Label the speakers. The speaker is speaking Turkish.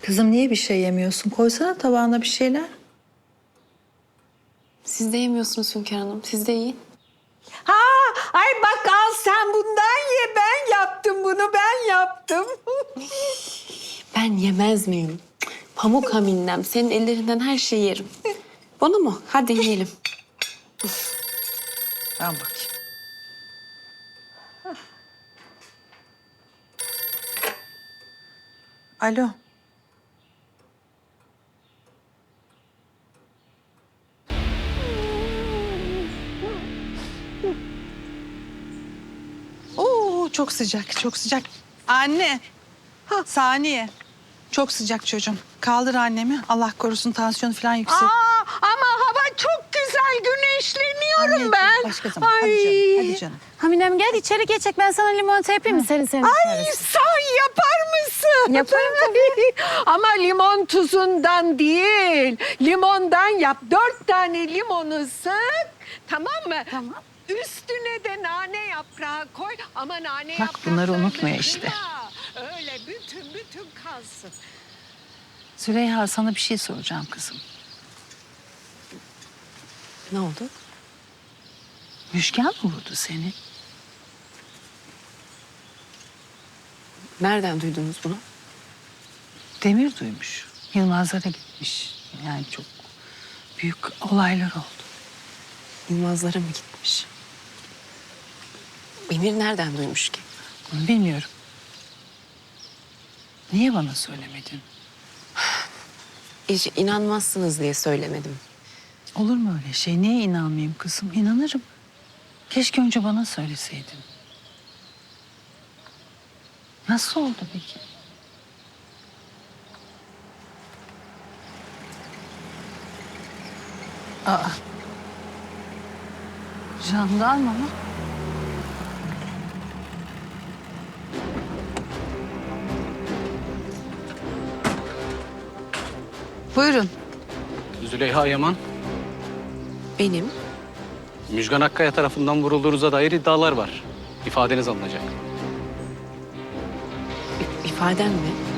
Speaker 1: Kızım niye bir şey yemiyorsun? Koysana tabağına bir şeyler.
Speaker 2: Siz de yemiyorsunuz Hünkar Hanım. Siz de yiyin.
Speaker 3: Ha, ay bak al sen bundan ye. Ben yaptım bunu, ben yaptım.
Speaker 2: Ben yemez miyim? Pamuk haminnem. Senin ellerinden her şeyi yerim. Bunu mu? Hadi yiyelim.
Speaker 1: Ben bakayım. Alo.
Speaker 4: Oo, çok sıcak, çok sıcak. Anne, saniye. Çok sıcak çocuğum. Kaldır annemi. Allah korusun tansiyonu falan yüksek.
Speaker 3: Ama hava çok güzel, güneşleniyorum
Speaker 4: Anneciğim,
Speaker 3: ben.
Speaker 4: başka zaman. Hadi canım, hadi canım.
Speaker 5: Haminem gel içeri geçecek. Ben sana limonata yapayım mı senin senin?
Speaker 3: Ay sahi yapar mısın?
Speaker 5: Yaparım
Speaker 3: Ama limon tuzundan değil, limondan yap. 4 tane limonu sık, tamam mı?
Speaker 5: Tamam.
Speaker 3: Üstüne de nane yaprağı koy ama nane
Speaker 4: Bak,
Speaker 3: yapraklarını
Speaker 4: bunları unutmuyor işte.
Speaker 3: kırma. Öyle bütün kalsın.
Speaker 4: Züleyha, sana bir şey soracağım kızım.
Speaker 2: Ne oldu?
Speaker 4: Müşken mi vurdu seni?
Speaker 2: Nereden duydunuz bunu?
Speaker 4: Demir duymuş. Yılmazlara gitmiş. Yani çok büyük olaylar oldu.
Speaker 2: Yılmazlara mı gitmiş? Emir nereden duymuş ki?
Speaker 4: Bunu bilmiyorum. Niye bana söylemedin?
Speaker 2: Hiç inanmazsınız diye söylemedim.
Speaker 4: Olur mu öyle şey? Niye inanmayayım kızım? İnanırım. Keşke önce bana söyleseydin. Nasıl oldu peki? Aa. Jandarma mı? Buyurun.
Speaker 6: Züleyha Yaman,
Speaker 2: Benim
Speaker 6: Müjgan Akkaya tarafından vurulduğunuza dair iddialar var. İfadeniz alınacak.
Speaker 2: ifadem mi?